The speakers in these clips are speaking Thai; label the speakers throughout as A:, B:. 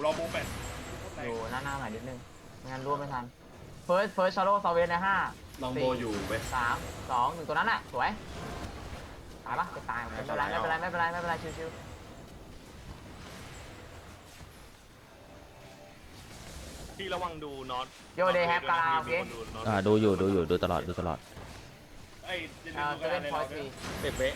A: อโบแปด
B: อยู่หน้าหน่อยนิดนึงไม่งั้นร่วมไม่ทันเฟิร์สชาร์โลซาเวนใน5
C: ลองโบอยู่เว้ย
B: 3 2 1ตัวนั้นน่ะสวยตายปะจะตายไม่เป็นไรชิว
A: พี่ระวังดูน็อต
B: โยเดย์แฮปกาลาโอเค
D: ดูอยู่ดูตลอด
A: ไอ้
B: เซเว่นพอยต์
C: 10 เวะ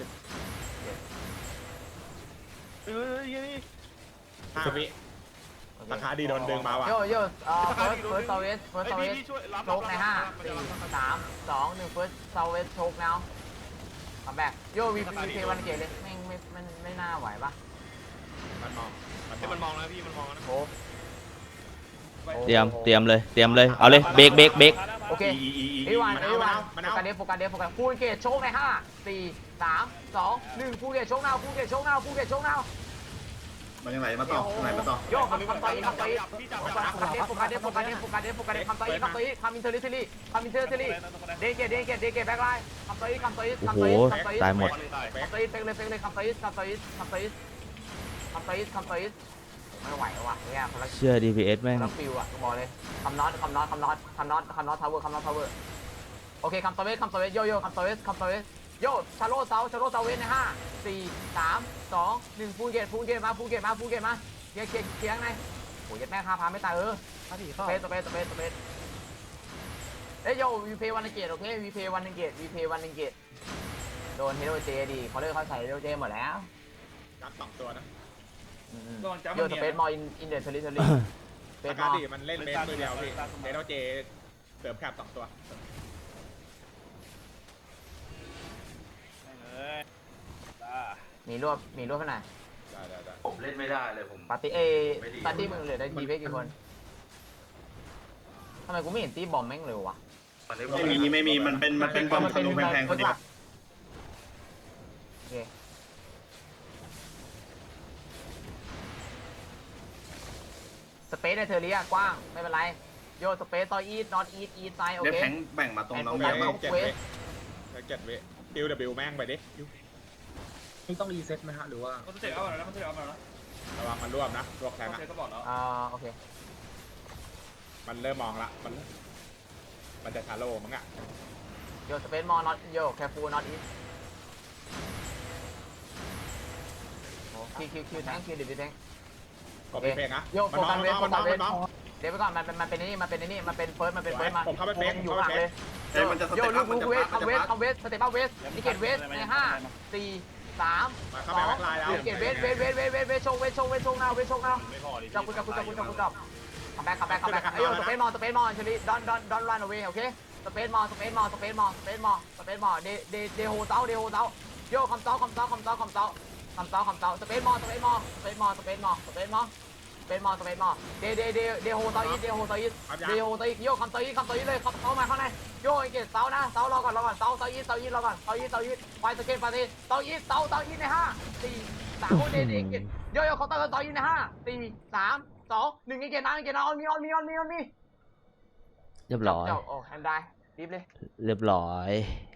C: 5 วิราคาดีโดนดึงมาว่ะ
B: โยเฟิร์สซาเวสโชกใน5 4 3 2 1เฟิร์สซาเวสโชกแล้วคัมแบ็กโยวีเพวันเกตเลยแม่งไม่น่าไหวปะ
C: มันมอง
A: มันมองนะพี่มันมองนะ
B: โอ้
D: เตรียมเลยเอาเลยเบรก
B: โอเคเอวันโฟกัสเดฟฟูลเกตโชกใน5 4 3 2 1ฟูลเกตโชกนาว
C: มันยังไหลมาต่อไหลมาต่อ
B: โยคำต่อยโฟกัสเดฟคำอินเทอร์เทลี่เดเกตแบ็คไลน์คำต่อย
D: โอ้โหตายหมด
B: คำต่อยเฟกเลยคำต่อยไม่ไหวว่ะเนี่ยคนละ
D: เชื่อ DPS แม่ง
B: แล้วฟิวอ่ะบอกเลยคำน็อตทาวเวอร์โอเคคำต่อยโยคำต่อยโยชาโลเซาเวนใน5 4 3 2 1ฟูลเกตมาเคลียร์ไงโอ้ยแม่พาไม่ตายสเปซเอ้ยโยวีเพย์วันเกตโอเควีเพย์วันเกตโดนเฮโรเจดีเขาเลิกเขาใส่เฮโรเจหมดแล้ว
C: จับ2 ตัวนะ
B: โยสเปซมอลอินเดอร์เทอรี่
C: ราคาดีมันเล่นเบสมือเดียวพี่เดโนเจเสริมแคบ2 ตัว
B: มีรวบขนาด
C: ได้
E: ผมเล่นไม่ได้เลยผม
B: ปาร์ตี้มึงเหลือได้ดีเพกี่คนทำไมกูไม่เห็นตีบอมแม่งเร็ววะ
E: วันนี้
C: ไม่มีมันเป็นบอมธนูแพงๆคนเดียว
B: โอเคสเปซในเทอร์เรียกว้างไม่เป็นไรโยสเปซซอยอีทนอตอีทไซโอ
C: เดฟ
B: เค
C: แทงแบ่งมาตรงน้อง
B: แบ่
C: แม่
B: ง
C: 7 เวดิวแม่งไปดิ
F: นี่ต้องรีเซ็ตไหมฮะหรือว่า
A: มันเสร็จเอาแล้วนะ
C: ระวังมันรวบนะรวบแทงอ่ะ
A: เสร็จก็บอกแล้ว
B: โอเค
C: มันเริ่มมองละมันจะชาโลมั้งอ่ะ
B: โยสเปซมอลนอตโยแคฟูนอตอีทคิวแทงคิวดิบแทง
C: กดเพลงนะ
B: โยโฟกัสเวส
C: มันน้อง
B: เดี๋ยวไปก่อนมันเป็นนี่มันเป็นเฟิร์สมา
C: ผมเข้าไปเฟก
B: อยู่ห่างเลยโยลูกเวสคัมเวสสเตปเวสนิเกตเวสใน5 4 3
C: เข้าไปแบ็คไลน์แล้ว
B: นิเกตเวสโชว์นาวจับคับแบ็คไอโยสเปซมอลเชลี่ดอนรันเอาไว้โอเคสเปซมอลเดโฮเต้าโยคำเต้าสเปซมอลเดโฮเต้าอีกโยคำเต้าอีกเลยเข้ามาข้างในโยไอเกตเต้านะเต้ารอก่อนเต้าอีไปสเกตปาร์ตี้เต้าอีใน5 4 3โอเดเกตโยเขาเต้าอีใน5 4 3 2 1ไอเกตนะออนมี
D: เรียบร้อย
B: โอ้แฮนด์ได้รีบเลย
D: เรียบร้อย